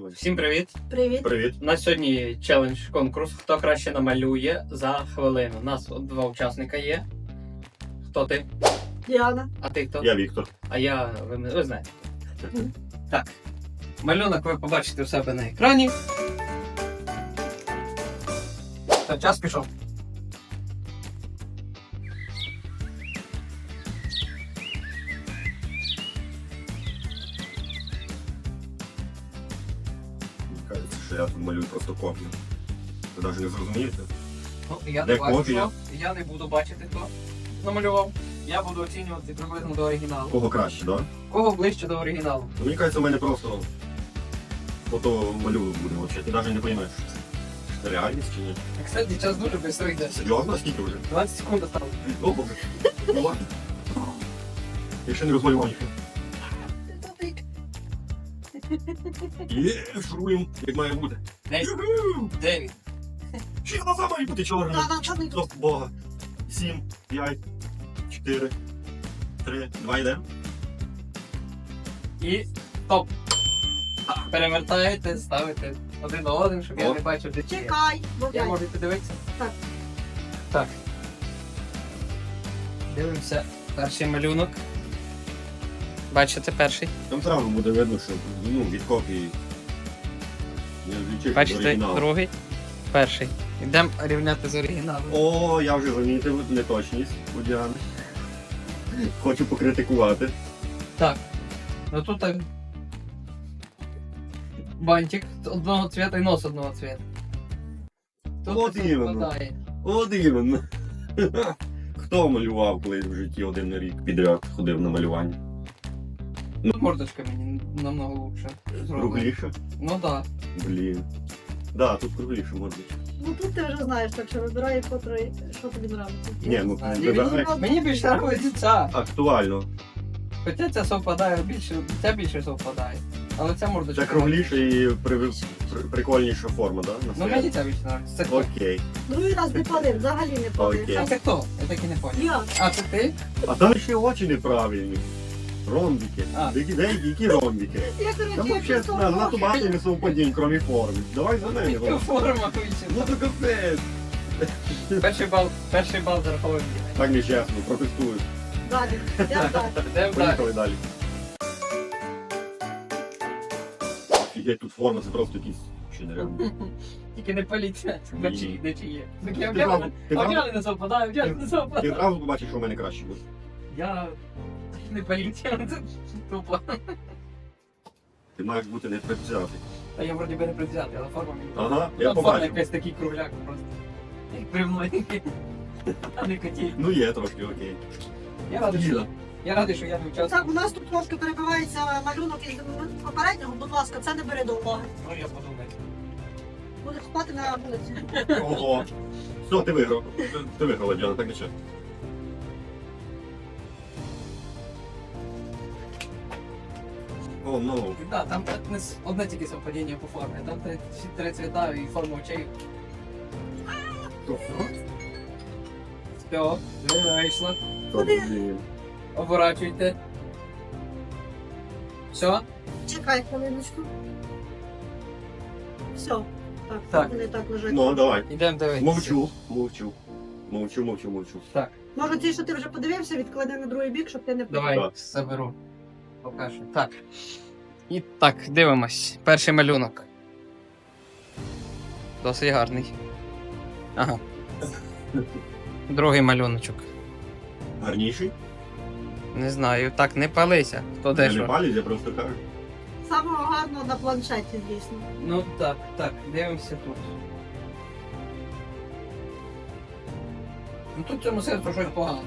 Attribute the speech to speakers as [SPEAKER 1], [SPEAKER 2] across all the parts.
[SPEAKER 1] давай.
[SPEAKER 2] Всім привіт!
[SPEAKER 3] Привіт.
[SPEAKER 1] Привіт.
[SPEAKER 2] У нас сьогодні челендж-конкурс. Хто краще намалює за хвилину. У нас от 2 учасника є. Хто ти?
[SPEAKER 3] Діана.
[SPEAKER 2] А ти хто?
[SPEAKER 1] Я Віктор.
[SPEAKER 2] А я, ви знаєте. Так. Малюнок ви побачите у себе на екрані. Та, час пішов.
[SPEAKER 1] Мені кажеться, що я тут малюю просто копію. Ви навіть не зрозумієте?
[SPEAKER 2] Ну, я
[SPEAKER 1] Де
[SPEAKER 2] не бачу,
[SPEAKER 1] копія?
[SPEAKER 2] що. Я не буду бачити, хто намалював. Я буду оцінювати приблизно до оригіналу.
[SPEAKER 1] Кого краще, так? Да?
[SPEAKER 2] Кого ближче до оригіналу?
[SPEAKER 1] Мені кажеться, в мене просто фото малюнок буде взагалі. Ти навіть не розумієш, що це реальність чи ні.
[SPEAKER 2] Кстати, час дуже швидко йде.
[SPEAKER 1] Серйозно? Скільки вже?
[SPEAKER 2] 20 секунд осталось.
[SPEAKER 1] О, Боже. Ну ладно. Я ще не розмалював їх. Є, шуруємо, як має бути.
[SPEAKER 2] 9.
[SPEAKER 1] Ще глаза мають бути чорні.
[SPEAKER 3] Чорний
[SPEAKER 1] О, Бога. 7, 5, 4, 3, 2 йдемо.
[SPEAKER 2] І стоп. Перевертаєте, ставите один на один, щоб я
[SPEAKER 1] О.
[SPEAKER 2] не бачив, де чи є.
[SPEAKER 3] Чекай, бо
[SPEAKER 2] Я можу подивитися?
[SPEAKER 3] Так.
[SPEAKER 2] Так. Дивимося перший малюнок. Бачите перший?
[SPEAKER 1] Там зразу буде видно, що від копії не відлічиш від
[SPEAKER 2] Бачите
[SPEAKER 1] оригіналу.
[SPEAKER 2] другий? Перший. Йдемо рівняти з оригіналом.
[SPEAKER 1] О, я вже замітив неточність у Діани. Хочу покритикувати.
[SPEAKER 2] Так. Ну тут так. Бантик одного цвіта і нос одного цвіта. Тут
[SPEAKER 1] От
[SPEAKER 2] все
[SPEAKER 1] іменно.
[SPEAKER 2] спадає.
[SPEAKER 1] От іменно. Хто малював колись в житті один рік підряд ходив на малювання?
[SPEAKER 2] Тут мордочка мені намного лучше. зроблена.
[SPEAKER 1] Кругліше?
[SPEAKER 2] Ну так.
[SPEAKER 1] Блін. Да, тут кругліше може бути.
[SPEAKER 3] Ну тут ти вже знаєш, так що вибирай, котрий, що тобі подобається.
[SPEAKER 1] Ні, ну
[SPEAKER 2] знаю.
[SPEAKER 1] вибирай.
[SPEAKER 2] Мені більше подобається ця.
[SPEAKER 1] Актуально.
[SPEAKER 2] Хоча ця совпадає більше, ця більше совпадає. Але ця мордочка.
[SPEAKER 1] Це кругліше і прикольніша форма, так? Да?
[SPEAKER 2] Ну мені ця більше подобається. Це хто?
[SPEAKER 1] Окей.
[SPEAKER 3] Другий раз не палив, взагалі не палив.
[SPEAKER 1] Окей.
[SPEAKER 2] А це хто? Я так і не поняв.
[SPEAKER 3] Я.
[SPEAKER 2] А це ти?
[SPEAKER 1] А там ще очі неправильні. Ромбики.
[SPEAKER 2] А.
[SPEAKER 1] Деякі, які ромбики?
[SPEAKER 3] Я,
[SPEAKER 1] Там
[SPEAKER 3] коротше,
[SPEAKER 1] вообще
[SPEAKER 3] просто...
[SPEAKER 1] надто багато несовпадінь, крім форми. Давай за неї. Ром.
[SPEAKER 2] Форма
[SPEAKER 1] Ну
[SPEAKER 2] вичина.
[SPEAKER 1] то капець.
[SPEAKER 2] Перший бал зарахований.
[SPEAKER 1] Так нечесно, протестую.
[SPEAKER 3] Далі, я далі.
[SPEAKER 2] Йдемо далі.
[SPEAKER 1] Поїхали далі. Офігеть, тут форма, це просто якісь ще нереально.
[SPEAKER 2] Тільки не поліція. Не чи є. Так я
[SPEAKER 1] Ти зразу- ти зразу-
[SPEAKER 2] вдягли не совпадаю, вдягли не
[SPEAKER 1] Ти
[SPEAKER 2] совпадаю.
[SPEAKER 1] одразу побачиш, що в мене краще буде.
[SPEAKER 2] Я не поліція, це тупо.
[SPEAKER 1] Ти маєш бути не предвзятий.
[SPEAKER 2] А я вроді би не предвзятий, але форма мені.
[SPEAKER 1] Ага, я
[SPEAKER 2] Там форма
[SPEAKER 1] побачив.
[SPEAKER 2] якась такий кругляк просто. Як бревно, а не котіль.
[SPEAKER 1] Ну є трошки, окей.
[SPEAKER 2] Я радий, що я не участвував.
[SPEAKER 3] Так, у нас тут трошки перебивається малюнок із попереднього, будь ласка, це не бери до уваги.
[SPEAKER 2] Ну я подумаю.
[SPEAKER 3] Буде спати на вулиці.
[SPEAKER 1] Ого. Все, ти виграв. Ти виграла, Діана, так нічого. О, ну.
[SPEAKER 2] Так, там одне тільки совпадіння по формі. Там всі 3 цвіта і форма очей. Все, вийшло.
[SPEAKER 1] Блін.
[SPEAKER 2] Оборачуйте. Все?
[SPEAKER 3] Чекай хвилиночку. Все. Так,
[SPEAKER 2] Так.
[SPEAKER 3] вони так лежать.
[SPEAKER 1] Ну, давай.
[SPEAKER 2] Йдемо дивитися.
[SPEAKER 1] Мовчу.
[SPEAKER 2] Так,
[SPEAKER 3] Може ті, що ти вже подивився, відклади на другий бік, щоб ти не
[SPEAKER 2] давай
[SPEAKER 1] Так.
[SPEAKER 2] заберу. Покажу. Так. І так, дивимось. Перший малюнок. Досить гарний. Ага. Другий малюночок.
[SPEAKER 1] Гарніший?
[SPEAKER 2] Не знаю, так не палися. Хто де
[SPEAKER 1] Я не
[SPEAKER 2] що.
[SPEAKER 1] палець, я просто кажу.
[SPEAKER 3] Самого гарного на планшеті, звісно.
[SPEAKER 2] Ну так, дивимося тут. Ну тут в цьому серцю щось погано.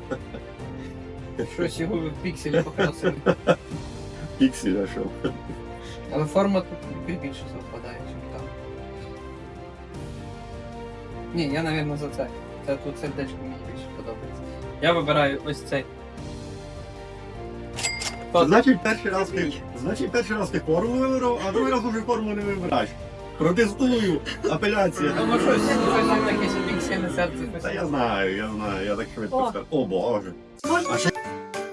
[SPEAKER 2] Щось його в пікселі покрасили.
[SPEAKER 1] Піксель, а що?
[SPEAKER 2] Але форма тут більше совпадає, ніж там. Ні, я, мабуть, за це. Це тут сердечко мені більше подобається. Я вибираю ось цей.
[SPEAKER 1] Значить, перший раз ти форму вибрав, а другий раз уже форму не вибираєш. Протестую, апеляція.
[SPEAKER 2] Тому щось таке собі піксельне серце.
[SPEAKER 1] Та я знаю, я так швидко
[SPEAKER 3] О.
[SPEAKER 1] скажу. О, Боже.
[SPEAKER 3] Можна
[SPEAKER 1] А ще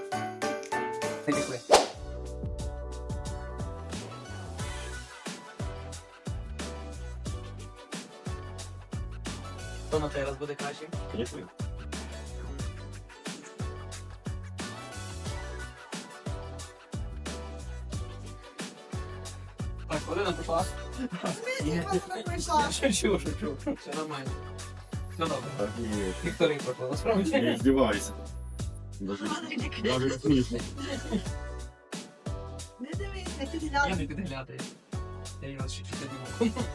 [SPEAKER 2] Не пішли. Хто на цей раз буде кращим?
[SPEAKER 1] Звісно.
[SPEAKER 2] Так, хвилина пішла.
[SPEAKER 3] Прийшла.
[SPEAKER 2] Шучу. Все нормально. Все добре.
[SPEAKER 1] Так, ні.
[SPEAKER 2] Вікторія пройшла, насправді.
[SPEAKER 1] Не здівайся. Даже смішно.
[SPEAKER 3] Не дивись, не
[SPEAKER 2] Я
[SPEAKER 3] підглядай.
[SPEAKER 2] не підглядаю. Я її вас ще чути не можу.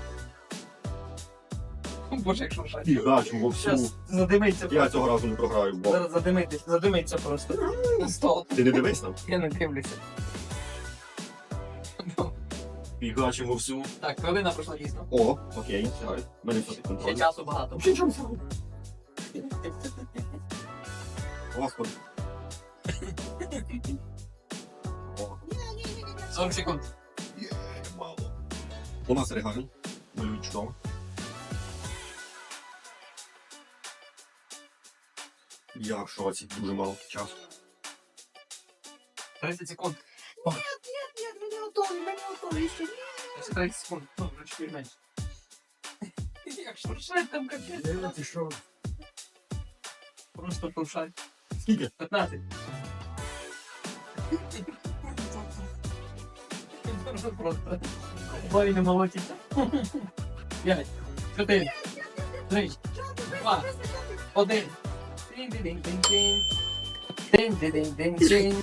[SPEAKER 2] Боже, як шуршать.
[SPEAKER 1] І гачу во всю.
[SPEAKER 2] Зараз задимиться
[SPEAKER 1] Я
[SPEAKER 2] просто.
[SPEAKER 1] цього разу не програю, бо
[SPEAKER 2] Зараз задимиться просто. Стол.
[SPEAKER 1] ти не дивись там.
[SPEAKER 2] Я не дивлюся.
[SPEAKER 1] І гачимо всю.
[SPEAKER 2] Так, хвилина пройшла дійсно.
[SPEAKER 1] О, окей, сягай. Мене все
[SPEAKER 2] Ще
[SPEAKER 1] контроль.
[SPEAKER 2] часу багато.
[SPEAKER 1] Ще часу. Господи. О,
[SPEAKER 3] Ні.
[SPEAKER 2] 40 секунд.
[SPEAKER 1] є, мало. У нас регаль. Малюють чудово. Я в шоці, дуже мало часу.
[SPEAKER 2] 30 секунд.
[SPEAKER 3] Ні, ми не готові, ще ні.
[SPEAKER 2] Ще 30 секунд. Ну, вже чуть менше. Як шуршать там капець.
[SPEAKER 1] Ти що?
[SPEAKER 2] Просто шуршать.
[SPEAKER 1] Скільки?
[SPEAKER 2] 15. Просто. Бой не молотиться. 5, 4, 3, 2, 1. Тин-дин-дин-дин-дин. Тин-дин-дин-дин-дин.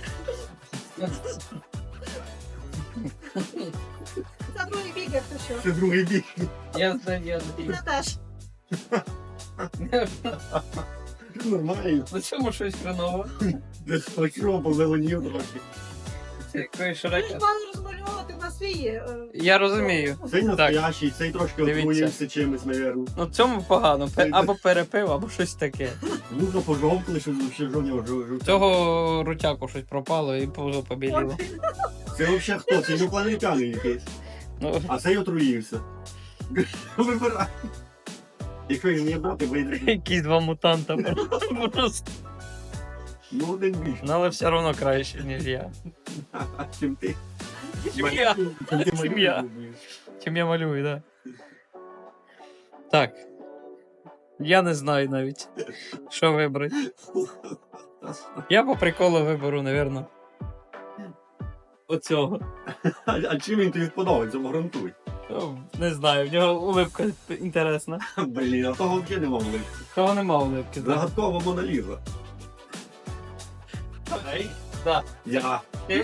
[SPEAKER 3] Це другий бік, як то що.
[SPEAKER 1] Це другий бік.
[SPEAKER 2] Я знаю.
[SPEAKER 3] Це теж.
[SPEAKER 1] Нормально.
[SPEAKER 2] На цьому щось хреново.
[SPEAKER 1] Десь почув, позеленів трохи.
[SPEAKER 2] Це якої
[SPEAKER 3] Ми ж
[SPEAKER 2] широке.
[SPEAKER 3] мали розмальовувати на свій.
[SPEAKER 2] Я розумію.
[SPEAKER 1] Цей настоящий, цей трошки
[SPEAKER 2] Дивіться.
[SPEAKER 1] отруївся чимось, мабуть.
[SPEAKER 2] Ну цьому погано. Або перепив, або щось таке.
[SPEAKER 1] Нужно пожовтли, щоб ще жовтня.
[SPEAKER 2] Цього рутяку щось пропало і пузо побіліло.
[SPEAKER 1] Це взагалі хто? Це інопланетяни якийсь.
[SPEAKER 2] Ну,
[SPEAKER 1] А цей отруївся. Вибирай. Якщо він не брати, вийде.
[SPEAKER 2] якісь два мутанта просто.
[SPEAKER 1] Ну, один більше.
[SPEAKER 2] Ну, але все одно краще, ніж я.
[SPEAKER 1] Чим ти.
[SPEAKER 2] Сім'я.
[SPEAKER 1] Чим ти
[SPEAKER 2] Сім'я.
[SPEAKER 1] малюєш.
[SPEAKER 2] Чим я малюю, так. Так. Я не знаю навіть, що вибрати. Я по приколу виберу, напевно. Оцього.
[SPEAKER 1] А чим він тобі подобається, гарантуй.
[SPEAKER 2] Ну, не знаю, в нього улипка інтересна.
[SPEAKER 1] Блін, а того взагалі нема вли.
[SPEAKER 2] Того нема улипки. Да.
[SPEAKER 1] Загадкова Моналіза.
[SPEAKER 2] Да.
[SPEAKER 1] Я.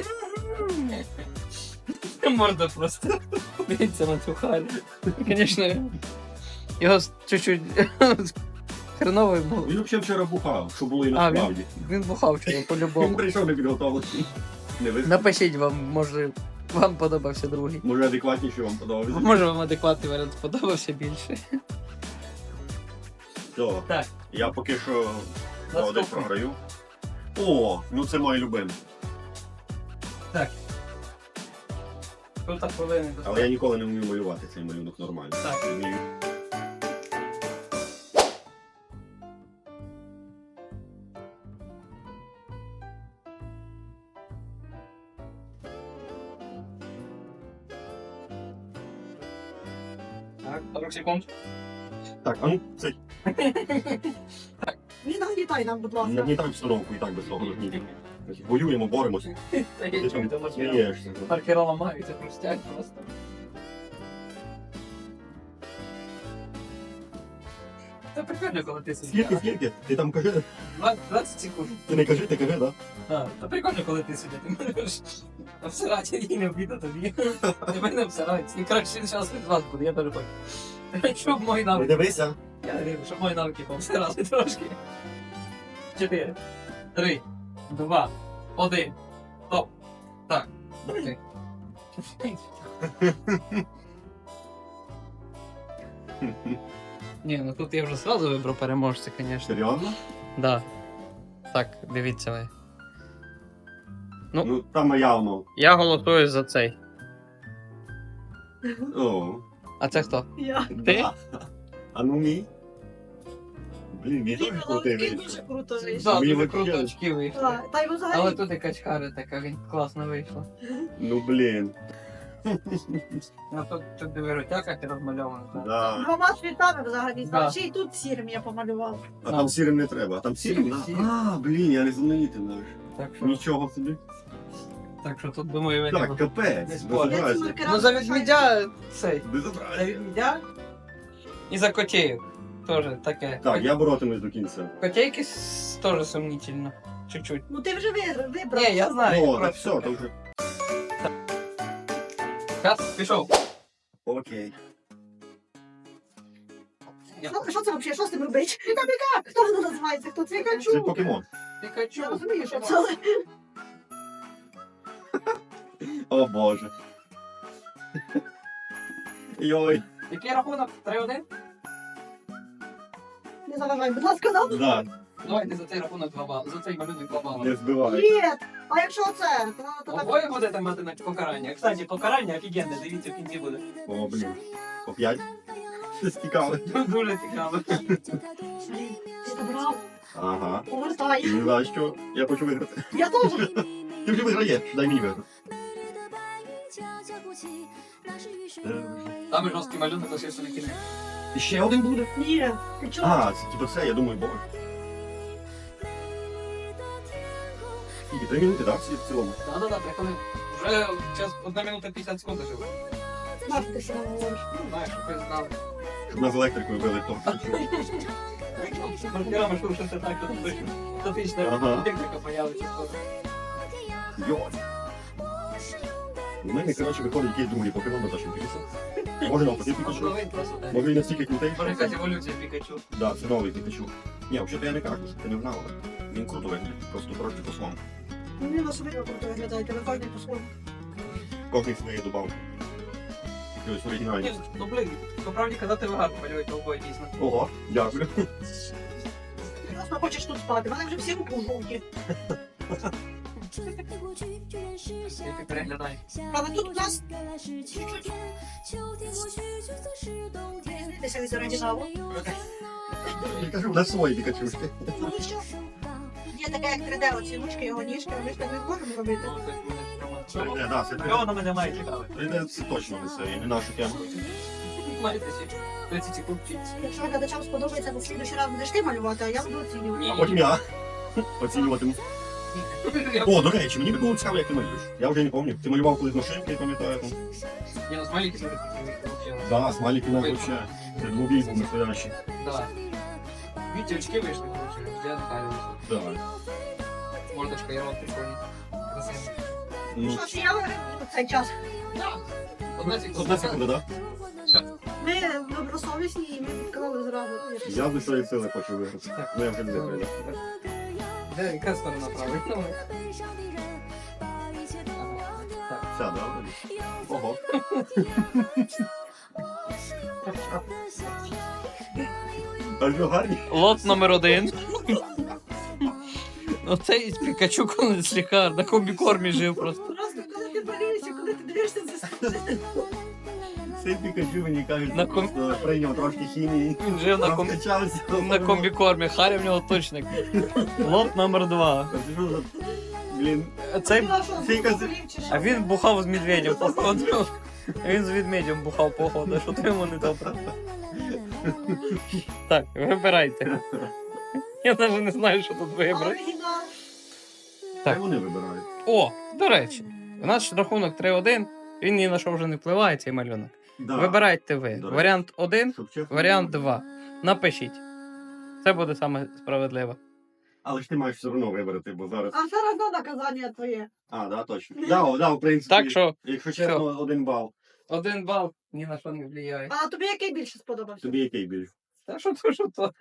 [SPEAKER 2] Морда просто. Дивіться на цю харю. Звісно, його чуть-чуть хреновий був.
[SPEAKER 1] Він взагалі вчора бухав, що було і
[SPEAKER 2] А,
[SPEAKER 1] насправді.
[SPEAKER 2] він бухав вчора
[SPEAKER 1] Він
[SPEAKER 2] по-любому.
[SPEAKER 1] прийшов непідготовлений. Не вистачить.
[SPEAKER 2] Напишіть вам, може, вам подобався другий.
[SPEAKER 1] Може адекватніше вам подобається.
[SPEAKER 2] Може вам адекватний варіант сподобався більше.
[SPEAKER 1] Все.
[SPEAKER 2] Так.
[SPEAKER 1] Я поки що один
[SPEAKER 2] Наступний.
[SPEAKER 1] програю. О, ну це моє любиме.
[SPEAKER 2] Тут хвилини.
[SPEAKER 1] Але я ніколи не вмію малювати цей малюнок нормально.
[SPEAKER 2] Так.
[SPEAKER 1] Не вмію.
[SPEAKER 2] Так, 40 секунд.
[SPEAKER 1] Так, а ну це
[SPEAKER 3] Не нагнітай нам, будь ласка.
[SPEAKER 1] нагнітай обстановку і так без того нагнітання. Воюємо, боремося. Ти що, смієшся?
[SPEAKER 2] Маркера ламаються, хрустять просто. Це прикольно, коли ти
[SPEAKER 1] Скільки,
[SPEAKER 2] сидиш.
[SPEAKER 1] скільки? Ти там кажи,
[SPEAKER 2] 20 секунд.
[SPEAKER 1] ти не кажи, ти кажи, да?
[SPEAKER 2] А, це прикольно, коли ти сидиш. Ти можеш обсирати і не обіда тобі. Тебе не обсирають. І краще зараз від вас буде, я перепаю. Щоб мої
[SPEAKER 1] Не
[SPEAKER 2] навики.
[SPEAKER 1] дивися.
[SPEAKER 2] Я не щоб мої навики пообсирали трошки. 4, 3, 2, 1. Стоп. Так. Окей. Ні, ну тут я вже сразу вибрав переможця, звісно.
[SPEAKER 1] Серйозно?
[SPEAKER 2] Да. Так, дивіться ви. Ну.
[SPEAKER 1] Ну, там явно.
[SPEAKER 2] Я голосую за цей.
[SPEAKER 1] О.
[SPEAKER 2] А це хто?
[SPEAKER 3] Я.
[SPEAKER 2] Ти?
[SPEAKER 1] Да. А ну мій. Блін, мій теж крутий
[SPEAKER 3] Він
[SPEAKER 1] вийшов.
[SPEAKER 3] дуже круто вийшов.
[SPEAKER 2] Да,
[SPEAKER 1] Мені
[SPEAKER 2] дуже
[SPEAKER 1] вообще-
[SPEAKER 2] круто очки вийшли.
[SPEAKER 3] Так, та й
[SPEAKER 2] Але
[SPEAKER 3] взагалі.
[SPEAKER 2] тут якась хара така, він класно вийшла.
[SPEAKER 1] Ну блін.
[SPEAKER 2] Ну тут дивиротяка ти розмальована. так?
[SPEAKER 1] Да.
[SPEAKER 3] Двома цвітами взагалі.
[SPEAKER 2] Да.
[SPEAKER 3] Ще й тут сірим я помалювала.
[SPEAKER 1] А там сірим не треба, а там сірим, да?
[SPEAKER 2] Сірим.
[SPEAKER 1] А, блін, я не знаменитий навіть.
[SPEAKER 2] Так що,
[SPEAKER 1] Нічого собі.
[SPEAKER 2] так що тут думаю,
[SPEAKER 1] Так,
[SPEAKER 2] ви
[SPEAKER 1] капець,
[SPEAKER 2] Не спорю.
[SPEAKER 3] Я ці
[SPEAKER 1] безобразие.
[SPEAKER 3] маркера
[SPEAKER 2] Ну за
[SPEAKER 3] залишаю.
[SPEAKER 2] відмідя цей. За
[SPEAKER 1] Безобразие.
[SPEAKER 2] відмідя і за котеїв. Теж таке.
[SPEAKER 1] Так, я боротимусь до кінця.
[SPEAKER 2] Котейки теж сумнітельно. Чуть-чуть.
[SPEAKER 3] Ну ти вже вибрав.
[SPEAKER 2] Ні, я знаю.
[SPEAKER 1] О, так
[SPEAKER 2] просто-
[SPEAKER 1] все, то вже.
[SPEAKER 2] Час пішов.
[SPEAKER 1] Окей.
[SPEAKER 3] Що це взагалі? Що з тим робить? Піка-піка! Хто воно називається? Хто це?
[SPEAKER 1] Це
[SPEAKER 3] Пікачу?
[SPEAKER 1] покемон.
[SPEAKER 2] Пікачу.
[SPEAKER 3] Я розумію, що це. але-
[SPEAKER 1] О боже. Йой.
[SPEAKER 2] Який рахунок? 3-1?
[SPEAKER 3] Не заважай, будь ласка, нам.
[SPEAKER 1] Да,
[SPEAKER 2] Давайте за цей рахунок 2 бали. За цей малюнок 2 бали.
[SPEAKER 1] не збивай.
[SPEAKER 3] Ні! А якщо це? То так.
[SPEAKER 2] Обоє будете мати на покарання. Кстати, покарання офігенне, дивіться в кінці буде.
[SPEAKER 1] О, блін. По 5. Щось цікаве.
[SPEAKER 2] Дуже цікаво.
[SPEAKER 3] Ти забрав.
[SPEAKER 1] Ага.
[SPEAKER 3] Повертай.
[SPEAKER 1] Не знаю, що. Я хочу виграти.
[SPEAKER 3] Я теж.
[SPEAKER 1] Ти вже виграєш, дай мені виграти.
[SPEAKER 2] Там і жорсткий малюнок лишився на кінець.
[SPEAKER 1] І ще один буде?
[SPEAKER 3] Ні. Ти чого?
[SPEAKER 1] А, це типу це, я думаю, боже. Скільки? 3 минути, так? В цілому.
[SPEAKER 2] Да-да-да, 3 хвилини. Вже час 1 минута 50 секунд лишилось.
[SPEAKER 3] Наш ти що говориш?
[SPEAKER 2] Ну, знаєш, щоб ви знали.
[SPEAKER 1] Щоб нас електрикою били, то.
[SPEAKER 2] З маркерами шуршиться так, що тут точно статична
[SPEAKER 1] Ага.
[SPEAKER 2] електрика появиться скоро.
[SPEAKER 1] Йой. У мене, коротше, виходить якийсь другий покемон на нашому пікачу. Може навпаки Пікачу.
[SPEAKER 2] Новий просто так.
[SPEAKER 1] Може він настільки крутий.
[SPEAKER 2] Може якась еволюція Пікачу.
[SPEAKER 1] Да, це новий Пікачу. Ні, взагалі я не кажу, що ти не знала. Він круто виглядає, просто трошки по-своєму.
[SPEAKER 3] Вони на собі круто виглядають, але кожен по-своєму.
[SPEAKER 1] Кожний своєї добавки. Ось оригінальні.
[SPEAKER 2] Ні, ну блин, по правді казати ви гарно малюєте обоє дійсно.
[SPEAKER 1] Ого, дякую.
[SPEAKER 3] Просто хочеш тут спати, в мене вже всі руки жовті.
[SPEAKER 2] Який переглядай.
[SPEAKER 3] Але тут у нас дивитися від оригіналу.
[SPEAKER 1] Я кажу, у нас свої Пікачушки.
[SPEAKER 3] Ну і що? Є таке, як 3D, оці ручки, його ніжки, а ми ж так не можемо робити.
[SPEAKER 2] Ну, так буде.
[SPEAKER 1] Це, да, це
[SPEAKER 2] Чого воно мене має цікавити?
[SPEAKER 1] це точно не це, і не нашу тему.
[SPEAKER 2] Маєте всі 30 секунд вчитися.
[SPEAKER 3] Якщо глядачам сподобається, то в слідуючий раз будеш ти малювати, а я буду оцінювати.
[SPEAKER 1] А потім я оцінюватиму. О, до речі, мені би було цікаво, як ти малюєш. Я вже не пам'ятаю. Ти малював колись машинки, я пам'ятаю. там.
[SPEAKER 2] Ні, ну смайлики себе такі.
[SPEAKER 1] Да, смайлики у нас вообще. Це двобій був настоящий.
[SPEAKER 2] Да. Віті очки вийшли, коротше, я Наталі вийшла.
[SPEAKER 1] Да.
[SPEAKER 2] Мордочка, я вам прикольний. Красиво.
[SPEAKER 1] Ну,
[SPEAKER 3] Що ж, я виграю цей час.
[SPEAKER 1] одна секунда, да?
[SPEAKER 2] Все.
[SPEAKER 3] Ми добросовісні і ми відкрили зразу.
[SPEAKER 1] Я з своєї сили хочу виграти. Ну, я вже не виграю.
[SPEAKER 2] Де, яка сторона правильно? Так.
[SPEAKER 1] Вся, да? Ого. А що гарні?
[SPEAKER 2] Лот номер 1. Оцей з Пікачу колись лікар, на комбікормі жив просто.
[SPEAKER 3] Просто коли ти болієшся, коли ти дивишся, це
[SPEAKER 1] Цей Пікачу, мені кажуть,
[SPEAKER 2] На
[SPEAKER 1] просто прийняв трошки хімії.
[SPEAKER 2] Він жив
[SPEAKER 1] Розкачався.
[SPEAKER 2] на комбікормі, Харя в нього точник. Лот номер 2.
[SPEAKER 1] Блін.
[SPEAKER 2] Цей,
[SPEAKER 1] Фіка,
[SPEAKER 2] а він бухав з медведем, походу. Він з ведмедем бухав, походу, що то йому не добре. Так, вибирайте. Я навіть не знаю, що тут вибрати.
[SPEAKER 3] оригінал.
[SPEAKER 1] Так вони вибирають.
[SPEAKER 2] О, до речі, у нас рахунок 3-1, він ні на що вже не впливає, цей малюнок.
[SPEAKER 1] Да.
[SPEAKER 2] Вибирайте ви.
[SPEAKER 1] До речі.
[SPEAKER 2] Варіант 1,
[SPEAKER 1] Щоб чесно.
[SPEAKER 2] варіант 2. Напишіть. Це буде саме справедливо.
[SPEAKER 1] Але ж ти маєш все одно вибрати, бо зараз.
[SPEAKER 3] А все одно наказання твоє.
[SPEAKER 1] А, да, точно. Да, в принципі.
[SPEAKER 2] Так що
[SPEAKER 1] Якщо чесно, 1 бал.
[SPEAKER 2] 1 бал ні на що не впливає.
[SPEAKER 3] А тобі який більше сподобався?
[SPEAKER 1] Тобі який більш?
[SPEAKER 2] Та що то, що то.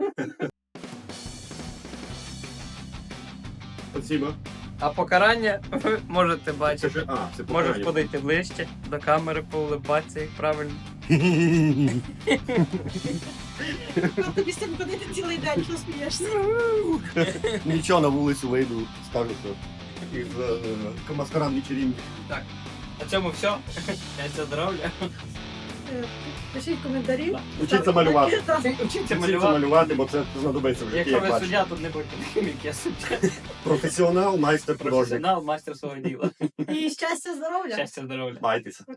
[SPEAKER 1] Спасибо.
[SPEAKER 2] А покарання ви можете
[SPEAKER 1] Це
[SPEAKER 2] бачити.
[SPEAKER 1] ж, це
[SPEAKER 2] Можеш
[SPEAKER 1] покарання.
[SPEAKER 2] подійти ближче до камери, поулибатися, як правильно.
[SPEAKER 3] А тобі з цим ходити цілий день, що смієшся?
[SPEAKER 1] Нічого, на вулицю вийду, скажу, що із маскарад вечеринки.
[SPEAKER 2] На цьому все. Щастя, здоров'я.
[SPEAKER 3] Пишіть коментарі.
[SPEAKER 1] Учіться малювати.
[SPEAKER 3] Так.
[SPEAKER 2] Вчіться
[SPEAKER 1] Вчіться
[SPEAKER 2] малювати.
[SPEAKER 1] малювати, бо це знадобиться в житті,
[SPEAKER 2] Якщо
[SPEAKER 1] як
[SPEAKER 2] ви
[SPEAKER 1] бачиш.
[SPEAKER 2] суддя, тут не будьте таким, як я суддя.
[SPEAKER 1] Професіонал, майстер, художник.
[SPEAKER 2] Професіонал, мастер свого діла.
[SPEAKER 3] І щастя, здоров'я.
[SPEAKER 2] Щастя, здоров'я.
[SPEAKER 1] Майтеся.